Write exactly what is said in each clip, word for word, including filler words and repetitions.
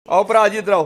आओ भरा जी इधर आओ।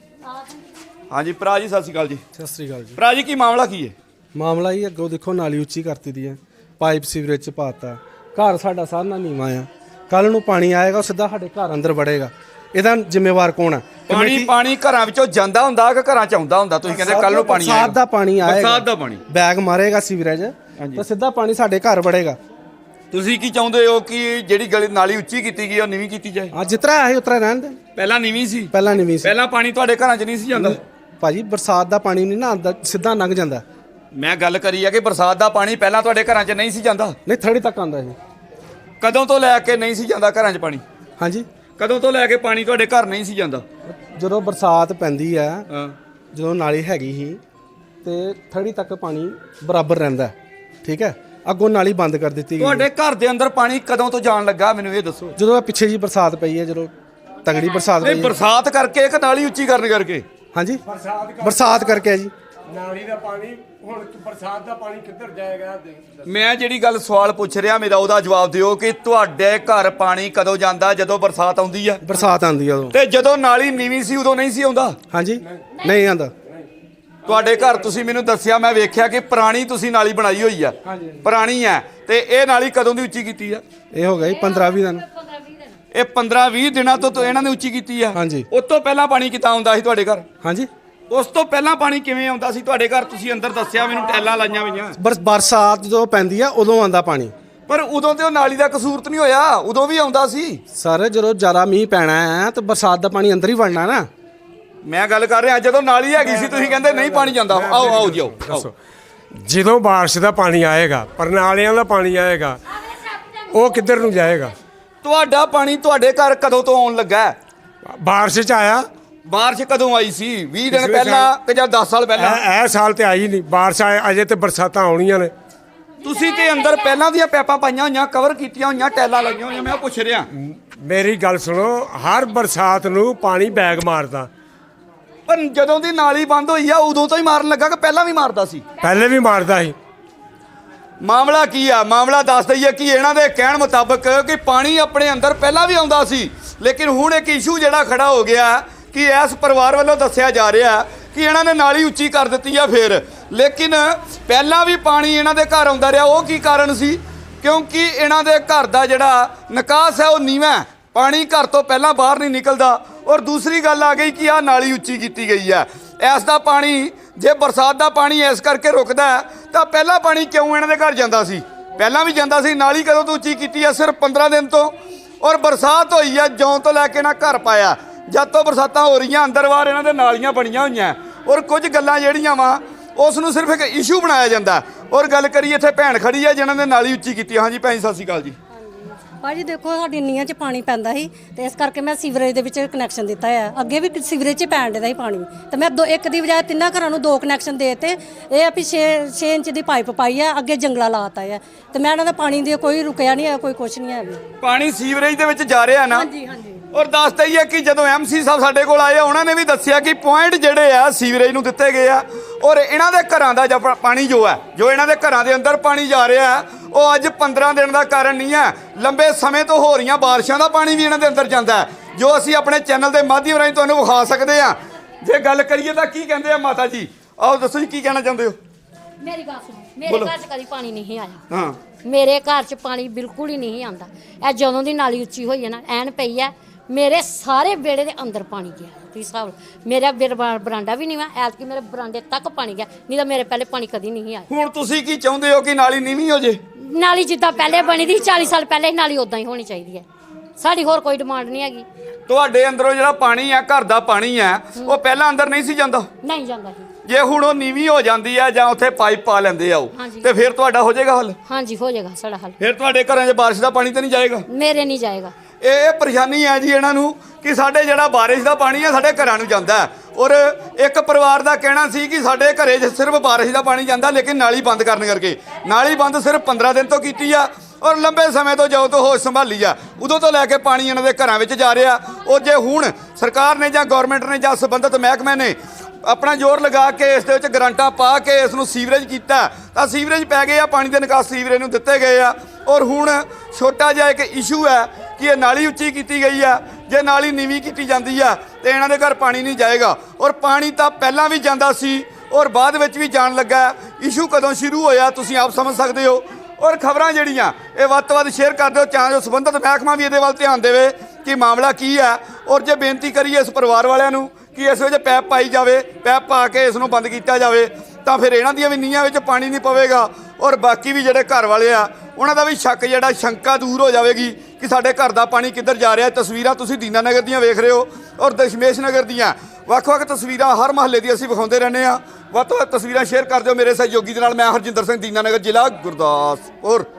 हाँ जी भरा जी सत श्री अकाल जी। सत श्री अकाल जी। भरा जी की मामला की है? ਮਾਮਲਾ ਹੀ ਅੱਗੋਂ ਦੇਖੋ ਨਾਲੀ ਉੱਚੀ ਕਰਤੀ ਦੀ ਹੈ, ਪਾਈਪ ਸੀਵਰੇਜ ਚ ਪਾਤਾ, ਘਰ ਸਾਡਾ ਸਾਰਾ ਨੀਵਾਂ ਆ, ਕੱਲ ਨੂੰ ਪਾਣੀ ਆਏਗਾ ਉਹ ਸਿੱਧਾ ਸਾਡੇ ਘਰ ਅੰਦਰ ਵੜੇਗਾ, ਇਹਦਾ ਜ਼ਿੰਮੇਵਾਰ ਕੌਣ ਹੈ? ਪਾਣੀ ਪਾਣੀ ਘਰਾਂ ਵਿੱਚੋਂ ਜਾਂਦਾ ਹੁੰਦਾ ਕਿ ਘਰਾਂ ਚ ਆਉਂਦਾ ਹੁੰਦਾ? ਤੁਸੀਂ ਕਹਿੰਦੇ ਕੱਲ ਨੂੰ ਪਾਣੀ ਆਏਗਾ, ਬਰਸਾਤ ਦਾ ਪਾਣੀ ਆਏਗਾ, ਬਰਸਾਤ ਦਾ ਪਾਣੀ ਬੈਗ ਮਾਰੇਗਾ ਸੀਵਰੇਜ ਤਾਂ ਸਿੱਧਾ ਪਾਣੀ ਸਾਡੇ ਘਰ ਵੜੇਗਾ। ਤੁਸੀਂ ਕੀ ਚਾਹੁੰਦੇ ਹੋ ਕਿ ਜਿਹੜੀ ਗਲੀ ਨਾਲੀ ਉੱਚੀ ਕੀਤੀ ਗਈ ਉਹ ਨੀਵੀਂ ਕੀਤੀ ਜਾਏ? ਹਾਂ ਜਿਤਨਾ ਹੈ ਉਤਰਾ ਰਹਿਣ ਦੇ। ਪਹਿਲਾਂ ਨੀਵੀਂ ਸੀ, ਪਹਿਲਾਂ ਨੀਵੀਂ ਸੀ। ਪਹਿਲਾਂ ਪਾਣੀ ਤੁਹਾਡੇ ਘਰਾਂ ਚ ਨਹੀਂ ਸੀ ਜਾਂਦਾ ਭਾਜੀ, ਬਰਸਾਤ ਦਾ ਪਾਣੀ ਨਹੀਂ ਨਾ ਆਉਂਦਾ, ਸਿੱਧਾ ਲੰਘ ਜਾਂਦਾ। ਮੈਂ ਗੱਲ ਕਰੀ ਆ ਕਿ ਬਰਸਾਤ ਦਾ ਪਾਣੀ ਪਹਿਲਾਂ ਤੁਹਾਡੇ ਘਰਾਂ ਚ ਨਹੀਂ ਸੀ ਜਾਂਦਾ? ਨਹੀਂ ਥੜੀ ਤੱਕ ਆਉਂਦਾ ਸੀ। ਕਦੋਂ ਤੋਂ ਲੈ ਕੇ ਨਹੀਂ ਸੀ ਜਾਂਦਾ ਘਰਾਂ ਚ ਪਾਣੀ? ਹਾਂਜੀ, ਕਦੋਂ ਤੋਂ ਲੈ ਕੇ ਪਾਣੀ ਤੁਹਾਡੇ ਘਰ ਨਹੀਂ ਸੀ ਜਾਂਦਾ? ਜਦੋਂ ਬਰਸਾਤ ਪੈਂਦੀ ਆ, ਹਾਂ, ਜਦੋਂ ਨਾਲੀ ਹੈਗੀ ਸੀ ਤੇ ਥੜੀ ਤੱਕ ਪਾਣੀ ਬਰਾਬਰ ਰਹਿੰਦਾ, ਠੀਕ ਹੈ। ਅੱਗੋਂ ਨਾਲੀ ਬੰਦ ਕਰ ਦਿੱਤੀ ਗਈ। ਤੁਹਾਡੇ ਘਰ ਦੇ ਅੰਦਰ ਪਾਣੀ ਕਦੋਂ ਤੋਂ ਜਾਣ ਲੱਗਾ ਮੈਨੂੰ ਇਹ ਦੱਸੋ? ਜਦੋਂ ਇਹ ਪਿੱਛੇ ਜੀ ਬਰਸਾਤ ਪਈ ਹੈ, ਜਦੋਂ ਤਗੜੀ ਬਰਸਾਤ ਨਹੀਂ ਪਈ ਹੈ। ਬਰਸਾਤ ਕਰਕੇ ਕਿ ਨਾਲੀ ਉੱਚੀ ਕਰਨ ਕਰਕੇ? ਹਾਂਜੀ, ਬਰਸਾਤ ਕਰਕੇ ਹੈ ਜੀ। ਨਾਲੀ ਦਾ ਪਾਣੀ ਹੁਣ ਬਰਸਾਤ ਦਾ ਪਾਣੀ ਕਿੱਧਰ ਜਾਏਗਾ? ਮੈਂ ਜਿਹੜੀ ਗੱਲ ਸਵਾਲ ਪੁੱਛ ਰਿਹਾ ਮੇਰਾ ਉਹਦਾ ਜਵਾਬ ਦਿਓ ਕਿ ਤੁਹਾਡੇ ਘਰ ਪਾਣੀ ਕਦੋਂ ਜਾਂਦਾ? ਜਦੋਂ ਬਰਸਾਤ ਆਉਂਦੀ ਆ? ਬਰਸਾਤ ਆਉਂਦੀ ਆ ਉਦੋਂ। ਤੇ ਜਦੋਂ ਨਾਲੀ ਨੀਵੀਂ ਸੀ ਉਦੋਂ ਨਹੀਂ ਸੀ ਆਉਂਦਾ? ਹਾਂਜੀ, ਨਹੀਂ ਆਉਂਦਾ। ਤੁਹਾਡੇ ਘਰ ਤੁਸੀਂ ਮੈਨੂੰ ਦੱਸਿਆ, ਮੈਂ ਵੇਖਿਆ ਕਿ ਪੁਰਾਣੀ ਤੁਸੀਂ ਨਾਲੀ ਬਣਾਈ ਹੋਈ ਆ, ਪੁਰਾਣੀ ਆ, ਤੇ ਇਹ ਨਾਲੀ ਕਦੋਂ ਦੀ ਉੱਚੀ ਕੀਤੀ ਆ? ਇਹ ਹੋ ਗਿਆ ਜੀ ਪੰਦਰਾਂ ਵੀਹ ਦਿਨ। ਇਹ ਪੰਦਰਾਂ ਵੀਹ ਦਿਨਾਂ ਤੋਂ ਤੋਂ ਇਹਨਾਂ ਨੇ ਉੱਚੀ ਕੀਤੀ ਆ। ਹਾਂਜੀ। ਉਸ ਤੋਂ ਪਹਿਲਾਂ ਪਾਣੀ ਕਿੱਦਾਂ ਆਉਂਦਾ ਸੀ ਤੁਹਾਡੇ ਘਰ? ਹਾਂਜੀ, ਉਸ ਤੋਂ ਪਹਿਲਾਂ ਪਾਣੀ ਕਿਵੇਂ ਆਉਂਦਾ ਸੀ ਤੁਹਾਡੇ ਘਰ? ਤੁਸੀਂ ਅੰਦਰ ਦੱਸਿਆ ਮੈਨੂੰ ਟੈਲਾਂ ਲਾਈਆਂ ਹੋਈਆਂ। ਬਰਸ ਬਰਸਾਤ ਜਦੋਂ ਪੈਂਦੀ ਆ ਉਦੋਂ ਆਉਂਦਾ ਪਾਣੀ। ਪਰ ਉਦੋਂ ਤੇ ਉਹ ਨਾਲੀ ਦਾ ਕਸੂਰ ਤਾਂ ਨਹੀਂ ਹੋਇਆ, ਉਦੋਂ ਵੀ ਆਉਂਦਾ ਸੀ। ਸਰ ਜਦੋਂ ਜ਼ਿਆਦਾ ਮੀਂਹ ਪੈਣਾ ਹੈ ਤਾਂ ਬਰਸਾਤ ਦਾ ਪਾਣੀ ਅੰਦਰ ਹੀ ਵੜਨਾ ਨਾ। ਮੈਂ ਗੱਲ ਕਰ ਰਿਹਾ ਜਦੋਂ ਨਾਲੀ ਹੈਗੀ ਸੀ ਤੁਸੀਂ ਕਹਿੰਦੇ ਨਹੀਂ ਪਾਣੀ ਜਾਂਦਾ। ਆਓ ਆਓ ਜੀ ਆਓ। ਜਦੋਂ ਬਾਰਿਸ਼ ਦਾ ਪਾਣੀ ਆਏਗਾ, ਪਰਨਾਲਿਆਂ ਦਾ ਪਾਣੀ ਆਏਗਾ, ਉਹ ਕਿੱਧਰ ਨੂੰ ਜਾਏਗਾ? ਤੁਹਾਡਾ ਪਾਣੀ ਤੁਹਾਡੇ ਘਰ ਕਦੋਂ ਤੋਂ ਆਉਣ ਲੱਗਾ? ਬਾਰਿਸ਼ ਚ ਆਇਆ। ਬਾਰਿਸ਼ ਕਦੋਂ ਆਈ ਸੀ? ਵੀਹ ਦਿਨ ਪਿਛਲੇ ਪਹਿਲਾਂ ਸਾਲ। ਕਿ ਜਾਂ ਦਸ ਸਾਲ ਪਹਿਲਾਂ? ਇਹ ਇਹ ਸਾਲ ਤੇ ਆਈ ਨਹੀਂ ਬਾਰਿਸ਼, ਆਏ ਅਜੇ ਤੇ ਬਰਸਾਤਾਂ ਆਉਣੀਆਂ ਨੇ। ਤੁਸੀਂ ਤੇ ਅੰਦਰ ਪਹਿਲਾਂ ਦੀਆਂ ਪੈਪਾਂ ਪਾਈਆਂ ਹੋਈਆਂ, ਕਵਰ ਕੀਤੀਆਂ ਹੋਈਆਂ, ਟੈਲਾਂ ਲਾਈਆਂ ਹੋਈਆਂ। ਮੈਂ ਪੁੱਛ ਰਿਹਾ। ਮੇਰੀ ਗੱਲ ਸੁਣੋ, ਹਰ ਬਰਸਾਤ ਨੂੰ ਪਾਣੀ ਬੈਗ ਮਾਰਦਾ। ਪਰ ਜਦੋਂ ਦੀ ਨਾਲੀ ਬੰਦ ਹੋਈ ਆ ਉਦੋਂ ਤੋਂ ਹੀ ਮਾਰਨ ਲੱਗਾ ਕਿ ਪਹਿਲਾਂ ਵੀ ਮਾਰਦਾ ਸੀ? ਪਹਿਲੇ ਵੀ ਮਾਰਦਾ ਸੀ। ਮਾਮਲਾ ਕੀ ਆ? ਮਾਮਲਾ ਦੱਸ ਦਈਏ ਕਿ ਇਹਨਾਂ ਦੇ ਕਹਿਣ ਮੁਤਾਬਕ ਕਿ ਪਾਣੀ ਆਪਣੇ ਅੰਦਰ ਪਹਿਲਾਂ ਵੀ ਆਉਂਦਾ ਸੀ, ਲੇਕਿਨ ਹੁਣ ਇੱਕ ਇਸ਼ੂ ਜਿਹੜਾ ਖੜਾ ਹੋ ਗਿਆ ਕਿ ਇਸ ਪਰਿਵਾਰ ਵੱਲੋਂ ਦੱਸਿਆ ਜਾ ਰਿਹਾ ਕਿ ਇਹਨਾਂ ਨੇ ਨਾਲੀ ਉੱਚੀ ਕਰ ਦਿੱਤੀ ਆ ਫਿਰ, ਲੇਕਿਨ ਪਹਿਲਾਂ ਵੀ ਪਾਣੀ ਇਹਨਾਂ ਦੇ ਘਰ ਆਉਂਦਾ ਰਿਹਾ। ਉਹ ਕੀ ਕਾਰਨ ਸੀ? ਕਿਉਂਕਿ ਇਹਨਾਂ ਦੇ ਘਰ ਦਾ ਜਿਹੜਾ ਨਿਕਾਸ ਹੈ ਉਹ ਨੀਵਾਂ ਹੈ, ਪਾਣੀ ਘਰ ਤੋਂ ਪਹਿਲਾਂ ਬਾਹਰ ਨਹੀਂ ਨਿਕਲਦਾ। ਔਰ ਦੂਸਰੀ ਗੱਲ ਆ ਗਈ ਕਿ ਆਹ ਨਾਲੀ ਉੱਚੀ ਕੀਤੀ ਗਈ ਹੈ। ਇਸ ਦਾ ਪਾਣੀ ਜੇ ਬਰਸਾਤ ਦਾ ਪਾਣੀ ਇਸ ਕਰਕੇ ਰੁਕਦਾ ਤਾਂ ਪਹਿਲਾਂ ਪਾਣੀ ਕਿਉਂ ਇਹਨਾਂ ਦੇ ਘਰ ਜਾਂਦਾ ਸੀ? ਪਹਿਲਾਂ ਵੀ ਜਾਂਦਾ ਸੀ। ਨਾਲੀ ਕਦੋਂ ਤੋਂ ਉੱਚੀ ਕੀਤੀ ਆ? ਸਿਰਫ ਪੰਦਰਾਂ ਦਿਨ ਤੋਂ। ਔਰ ਬਰਸਾਤ ਹੋਈ ਆ ਜਿਉਂ ਤੋਂ ਲੈ ਕੇ ਨਾ ਘਰ ਪਾਇਆ, ਜਦ ਤੋਂ ਬਰਸਾਤਾਂ ਹੋ ਰਹੀਆਂ ਅੰਦਰ ਬਾਹਰ ਇਹਨਾਂ ਦੇ ਨਾਲੀਆਂ ਬਣੀਆਂ ਹੋਈਆਂ। ਔਰ ਕੁਝ ਗੱਲਾਂ ਜਿਹੜੀਆਂ ਵਾ ਉਸ ਨੂੰ ਸਿਰਫ ਇੱਕ ਇਸ਼ੂ ਬਣਾਇਆ ਜਾਂਦਾ। ਔਰ ਗੱਲ ਕਰੀਏ ਇੱਥੇ ਭੈਣ ਖੜੀ ਆ ਜਿਨ੍ਹਾਂ ਨੇ ਨਾਲੀ ਉੱਚੀ ਕੀਤੀ। ਹਾਂਜੀ ਭੈਣ ਸਤਿ ਸ਼੍ਰੀ ਅਕਾਲ ਜੀ। ਭਾਜੀ ਦੇਖੋ ਸਾਡੀ ਨੀਆਂ 'ਚ ਪਾਣੀ ਪੈਂਦਾ ਸੀ ਤੇ ਇਸ ਕਰਕੇ ਮੈਂ ਸੀਵਰੇਜ ਦੇ ਵਿੱਚ ਕਨੈਕਸ਼ਨ ਦਿੱਤਾ ਹੈ। ਅੱਗੇ ਵੀ ਸੀਵਰੇਜ 'ਚ ਪੈਣ ਦਿੰਦਾ ਸੀ ਪਾਣੀ ਤੇ ਮੈਂ ਦੋ ਇੱਕ ਦੀ ਬਜਾਏ ਤਿੰਨਾਂ ਘਰਾਂ ਨੂੰ ਦੋ ਕਨੈਕਸ਼ਨ ਦੇ ਦਿੱਤੇ। ਇਹ ਆ ਵੀ ਛੇ ਛੇ ਇੰਚ ਦੀ ਪਾਈਪ ਪਾਈ ਹੈ, ਅੱਗੇ ਜੰਗਲਾ ਲਾਤਾ ਹੈ ਤੇ ਮੈਂ ਇਹਨਾਂ ਦਾ ਪਾਣੀ ਦੀ ਕੋਈ ਰੁਕਿਆ ਨਹੀਂ ਹੈ, ਕੋਈ ਕੁਛ ਨਹੀਂ ਹੈ। ਪਾਣੀ ਸੀਵਰੇਜ ਦੇ ਵਿੱਚ ਜਾ ਰਿਹਾ ਨਾ? ਹਾਂਜੀ ਹਾਂਜੀ। ਔਰ ਦੱਸਦਾ ਹੀ ਹੈ ਕਿ ਜਦੋਂ ਐਮਸੀ ਸਾਹਿਬ ਸਾਡੇ ਕੋਲ ਆਏ ਉਹਨਾਂ ਨੇ ਵੀ ਦੱਸਿਆ ਕਿ ਪੁਆਇੰਟ ਜਿਹੜੇ ਆ ਸੀਵਰੇਜ ਨੂੰ ਦਿੱਤੇ ਗਏ ਆ। ਔਰ ਇਹਨਾਂ ਦੇ ਘਰਾਂ ਦਾ ਜੋ ਪਾਣੀ ਜੋ ਹੈ, ਜੋ ਇਹਨਾਂ ਦੇ ਘਰਾਂ ਦੇ ਅੰਦਰ ਪਾਣੀ ਜਾ ਰਿਹਾ ਉਹ ਅੱਜ ਪੰਦਰਾਂ ਦਿਨ ਦਾ ਕਾਰਨ ਨਹੀਂ ਹੈ। ਲੰਬੇ ਸਮੇਂ ਤੋਂ ਹੋ ਰਹੀਆਂ ਬਾਰਿਸ਼ਾਂ ਦਾ ਪਾਣੀ ਵੀ ਇਹਨਾਂ ਦੇ ਅੰਦਰ ਜਾਂਦਾ ਹੈ, ਜੋ ਅਸੀਂ ਆਪਣੇ ਚੈਨਲ ਦੇ ਮਾਧਿਅਮ ਰਾਹੀਂ ਤੁਹਾਨੂੰ ਵਿਖਾ ਸਕਦੇ ਹਾਂ। ਜੇ ਗੱਲ ਕਰੀਏ ਤਾਂ ਕੀ ਕਹਿੰਦੇ ਆ ਮਾਤਾ ਜੀ? ਆਓ ਦੱਸੋ ਜੀ ਕੀ ਕਹਿਣਾ ਚਾਹੁੰਦੇ ਹੋ? ਮੇਰੀ ਗੱਲ ਸੁਣੋ, ਮੇਰੇ ਘਰ 'ਚ ਕਦੀ ਪਾਣੀ ਨਹੀਂ ਆਇਆ। ਹਾਂ, ਮੇਰੇ ਘਰ 'ਚ ਪਾਣੀ ਬਿਲਕੁਲ ਹੀ ਨਹੀਂ ਆਉਂਦਾ। ਇਹ ਜਦੋਂ ਦੀ ਨਾਲੀ ਉੱਚੀ ਹੋਈ ਹੈ ਨਾ, ਐਨ ਪਈ ਹੈ, ਮੇਰੇ ਸਾਰੇ ਵਿਹੜੇ ਦੇ ਅੰਦਰ ਪਾਣੀ ਗਿਆ। ਤੁਸੀਂ ਹਿਸਾਬ ਮੇਰਾ ਬਰਾਂਡਾ ਵੀ ਨਹੀਂ ਵਾ, ਐਤਕੀ ਮੇਰੇ ਬਰਾਂਡੇ ਤੱਕ ਪਾਣੀ ਗਿਆ, ਨਹੀਂ ਤਾਂ ਮੇਰੇ ਪਹਿਲੇ ਪਾਣੀ ਕਦੀ ਨਹੀਂ ਆਇਆ। ਹੁਣ ਤੁਸੀਂ ਕੀ ਚਾਹੁੰਦੇ ਹੋ ਕਿ ਨਾਲੀ ਨੀਵੀਂ ਹੋ ਜੇ? ਨਾਲੀ ਜਿੱਦਾਂ ਪਹਿਲੇ ਬਣੀ ਦੀ ਚਾਲੀ ਸਾਲ ਪਹਿਲੇ ਨਾਲੀ ਉਦਾਂ ਹੀ ਹੋਣੀ ਚਾਹੀਦੀ ਹੈ। ਸਾਡੀ ਹੋਰ ਕੋਈ ਡਿਮਾਂਡ ਨਹੀਂ ਹੈਗੀ। ਤੁਹਾਡੇ ਅੰਦਰੋਂ ਜਿਹੜਾ ਪਾਣੀ ਆ, ਘਰ ਦਾ ਪਾਣੀ ਆ, ਉਹ ਪਹਿਲਾਂ ਅੰਦਰ ਨਹੀਂ ਸੀ ਜਾਂਦਾ? ਨਹੀਂ ਜਾਂਦਾ ਜੀ। ਜੇ ਹੁਣ ਉਹ ਨੀਵੀਂ ਹੋ ਜਾਂਦੀ ਆ ਜਾਂ ਉੱਥੇ ਪਾਈਪ ਪਾ ਲੈਂਦੇ ਆ ਉਹ, ਤੇ ਫਿਰ ਤੁਹਾਡਾ ਹੋ ਜਾਏਗਾ ਹੱਲ? ਹਾਂਜੀ ਹੋ ਜਾਏਗਾ ਸਾਡਾ ਹੱਲ। ਫਿਰ ਤੁਹਾਡੇ ਘਰਾਂ 'ਚ ਬਾਰਿਸ਼ ਦਾ ਪਾਣੀ ਤਾਂ ਨਹੀਂ ਜਾਏਗਾ? ਮੇਰੇ ਨਹੀਂ ਜਾਏਗਾ। ਇਹ ਪਰੇਸ਼ਾਨੀ ਹੈ ਜੀ ਇਹਨਾਂ ਨੂੰ ਕਿ ਸਾਡੇ ਜਿਹੜਾ ਬਾਰਿਸ਼ ਦਾ ਪਾਣੀ ਆ ਸਾਡੇ ਘਰਾਂ ਨੂੰ ਜਾਂਦਾ। ਔਰ ਇੱਕ ਪਰਿਵਾਰ ਦਾ ਕਹਿਣਾ ਸੀ ਕਿ ਸਾਡੇ ਘਰੇ 'ਚ ਸਿਰਫ ਬਾਰਿਸ਼ ਦਾ ਪਾਣੀ ਜਾਂਦਾ, ਲੇਕਿਨ ਨਾਲੀ ਬੰਦ ਕਰਨ ਕਰਕੇ। ਨਾਲੀ ਬੰਦ ਸਿਰਫ ਪੰਦਰਾਂ ਦਿਨ ਤੋਂ ਕੀਤੀ ਆ ਔਰ ਲੰਬੇ ਸਮੇਂ ਤੋਂ ਜਦੋਂ ਤੋਂ ਹੋਸ਼ ਸੰਭਾਲੀ ਆ ਉਦੋਂ ਤੋਂ ਲੈ ਕੇ ਪਾਣੀ ਇਹਨਾਂ ਦੇ ਘਰਾਂ ਵਿੱਚ ਜਾ ਰਿਹਾ। ਉਹ ਜੇ ਹੁਣ ਸਰਕਾਰ ਨੇ ਜਾਂ ਗੌਰਮੈਂਟ ਨੇ ਜਾਂ ਸੰਬੰਧਿਤ ਮਹਿਕਮੇ ਨੇ ਆਪਣਾ ਜ਼ੋਰ ਲਗਾ ਕੇ ਇਸ ਦੇ ਵਿੱਚ ਗਰੰਟਾਂ ਪਾ ਕੇ ਇਸ ਨੂੰ ਸੀਵਰੇਜ ਕੀਤਾ ਤਾਂ ਸੀਵਰੇਜ ਪੈ ਗਏ ਆ, ਪਾਣੀ ਦੇ ਨਿਕਾਸ ਸੀਵਰੇਜ ਨੂੰ ਦਿੱਤੇ ਗਏ ਆ। ਔਰ ਹੁਣ ਛੋਟਾ ਜਿਹਾ ਇੱਕ ਇਸ਼ੂ ਹੈ ਕਿ ਇਹ ਨਾਲੀ ਉੱਚੀ ਕੀਤੀ ਗਈ ਆ, ਜੇ ਨਾਲੀ ਨੀਵੀਂ ਕੀਤੀ ਜਾਂਦੀ ਆ ਤੇ ਇਹਨਾਂ ਦੇ ਘਰ ਪਾਣੀ ਨਹੀਂ ਜਾਏਗਾ। ਔਰ ਪਾਣੀ ਤਾਂ ਪਹਿਲਾਂ ਵੀ ਜਾਂਦਾ ਸੀ ਔਰ ਬਾਅਦ ਵਿੱਚ ਵੀ ਜਾਣ ਲੱਗਾ। ਇਸ਼ੂ ਕਦੋਂ ਸ਼ੁਰੂ ਹੋਇਆ ਤੁਸੀਂ ਆਪ ਸਮਝ ਸਕਦੇ ਹੋ। ਔਰ ਖਬਰਾਂ ਜਿਹੜੀਆਂ ਇਹ ਵੱਧ ਤੋਂ ਵੱਧ ਸ਼ੇਅਰ ਕਰ ਦਿਓ ਤਾਂ ਜੋ ਸੰਬੰਧਿਤ ਮਹਿਕਮਾ ਵੀ ਇਹਦੇ ਵੱਲ ਧਿਆਨ ਦੇਵੇ ਕਿ ਮਾਮਲਾ ਕੀ ਹੈ। ਔਰ ਜੇ ਬੇਨਤੀ ਕਰੀਏ ਇਸ ਪਰਿਵਾਰ ਵਾਲਿਆਂ ਨੂੰ ਕਿ ਇਸ ਵਿੱਚ ਪੈਪ ਪਾਈ ਜਾਵੇ, ਪੈਪ ਪਾ ਕੇ ਇਸ ਨੂੰ ਬੰਦ ਕੀਤਾ ਜਾਵੇ, ਤਾਂ ਫਿਰ ਇਹਨਾਂ ਦੀਆਂ ਵੀ ਨੀਹਾਂ ਵਿੱਚ ਪਾਣੀ ਨਹੀਂ ਪਵੇਗਾ ਔਰ ਬਾਕੀ ਵੀ ਜਿਹੜੇ ਘਰ ਵਾਲੇ ਆ ਉਹਨਾਂ ਦਾ ਵੀ ਸ਼ੱਕ ਜਿਹੜਾ ਸ਼ੰਕਾ ਦੂਰ ਹੋ ਜਾਵੇਗੀ ਕਿ ਸਾਡੇ ਘਰ ਦਾ ਪਾਣੀ ਕਿੱਧਰ ਜਾ ਰਿਹਾ। ਤਸਵੀਰਾਂ ਤੁਸੀਂ ਦੀਨਾ ਨਗਰ ਦੀਆਂ ਵੇਖ ਰਹੇ ਹੋ ਔਰ ਦਸ਼ਮੇਸ਼ ਨਗਰ ਦੀਆਂ ਵੱਖ-ਵੱਖ ਤਸਵੀਰਾਂ ਹਰ ਮਹੱਲੇ ਦੀ ਅਸੀਂ ਵਿਖਾਉਂਦੇ ਰਹਿੰਦੇ ਹਾਂ। ਵੱਧ ਤੋਂ ਵੱਧ ਤਸਵੀਰਾਂ ਸ਼ੇਅਰ ਕਰ ਦਿਓ ਮੇਰੇ ਸਹਿਯੋਗੀ ਦੇ ਨਾਲ। ਮੈਂ ਹਰਜਿੰਦਰ ਸਿੰਘ, ਦੀਨਾ ਨਗਰ, ਜ਼ਿਲ੍ਹਾ ਗੁਰਦਾਸਪੁਰ।